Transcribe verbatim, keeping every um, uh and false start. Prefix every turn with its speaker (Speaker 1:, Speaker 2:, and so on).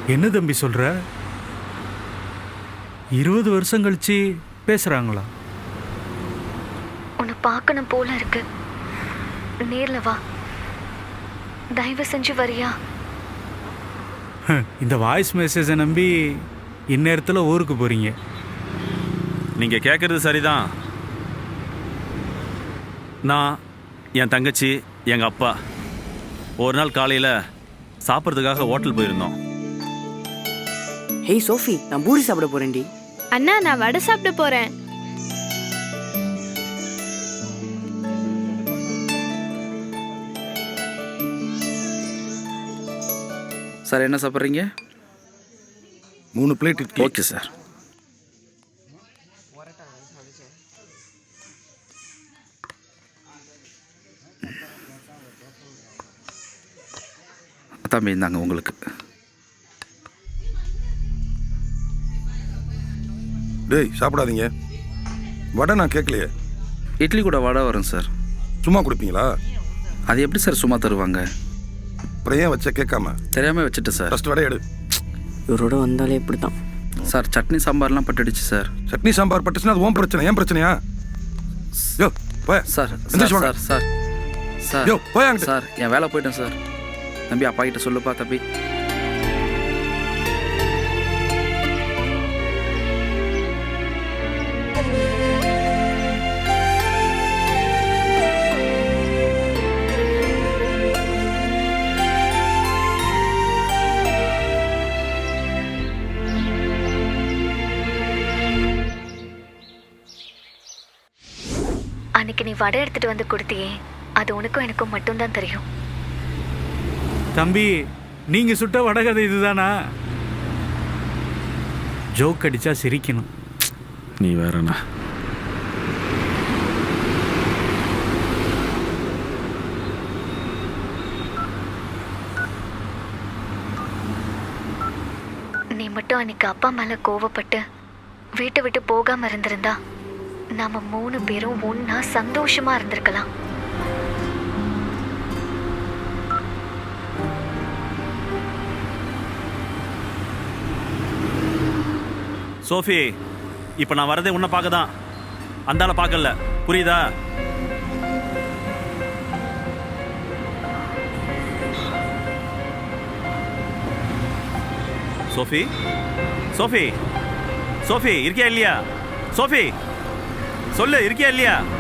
Speaker 1: என்ன தம்பி சொல்ற? இருபது வருஷம் கழிச்சு பேசுறாங்களா?
Speaker 2: உன்னை பார்க்கணும் போல இருக்கு. நேர்ல வா, தயவு செஞ்சு வரியா?
Speaker 1: இந்த வாய்ஸ் மெசேஜை நம்பி இந்நேரத்தில் ஊருக்கு போறீங்க.
Speaker 3: நீங்கள் கேட்குறது சரிதான். நான், என் தங்கச்சி, எங்கள் அப்பா ஒரு நாள் காலையில் சாப்பிட்றதுக்காக ஹோட்டல் போயிருந்தோம்.
Speaker 4: ஹேய் சோஃபி, நான் பூரி சாப்பிட போறேன்டி.
Speaker 5: அண்ணா, நான் வடை சாப்பிட போறேன்.
Speaker 6: சார் என்ன சாப்பிட்றீங்க?
Speaker 7: மூணு பிளேட் இட்லி.
Speaker 6: Okay sir. தம்பி இந்தாங்க உங்களுக்கு.
Speaker 7: டேய் சாப்பிடாதீங்க, வடை நான் கேட்கலையே.
Speaker 6: இட்லி கூட வடை வரும் சார்.
Speaker 7: சும்மா கொடுப்பீங்களா?
Speaker 6: அது எப்படி சார் சும்மா தருவாங்க?
Speaker 7: அப்புறம் ஏன் வச்ச கேட்காம?
Speaker 6: தெரியாமல் வச்சுட்டு சார்.
Speaker 7: ஃபஸ்ட் வடை எடு.
Speaker 4: இவரோட வந்தாலே இப்படி தான்
Speaker 6: சார். சட்னி சாம்பார்லாம் பட்டுடுச்சு சார்.
Speaker 7: சட்னி சாம்பார் பட்டுச்சுன்னா அது ஓன் பிரச்சனை, ஏன் பிரச்சனையா? யோ போய்
Speaker 6: சார்
Speaker 7: எந்திரிச்சு வாங்க.
Speaker 6: சார் சார் சார்
Speaker 7: யோ போய் அங்கிட்டு.
Speaker 6: சார் என் வேலை போயிட்டேன் சார். தம்பி அப்பா கிட்ட சொல்லுப்பா தம்பி.
Speaker 2: அன்னைக்கு நீ வடை எடுத்துட்டு வந்து கொடுத்தியே, அது உனக்கும் எனக்கும் மட்டும்தான் தெரியும்.
Speaker 1: தம்பி, நீங்க சுட்ட வடகதை இதுதானா? ஜோக் அடிச்சா சிரிக்கணும்.
Speaker 3: நீ வேறண்ணா.
Speaker 2: நீ மட்டும் அன்னைக்கு அப்பா மேல கோவப்பட்டு வீட்டை விட்டு போகாம இருந்திருந்தா நாம மூணு பேரும் ஒன்னா சந்தோஷமா இருந்திருக்கலாம்.
Speaker 3: சோஃபி, இப்போ நான் வரதே உன்னை பார்க்க தான். அந்தால பார்க்கல, புரியுதா? சோஃபி, சோஃபி, சோஃபி இருக்கியா இல்லையா? சோஃபி சொல்லு, இருக்கியா இல்லையா?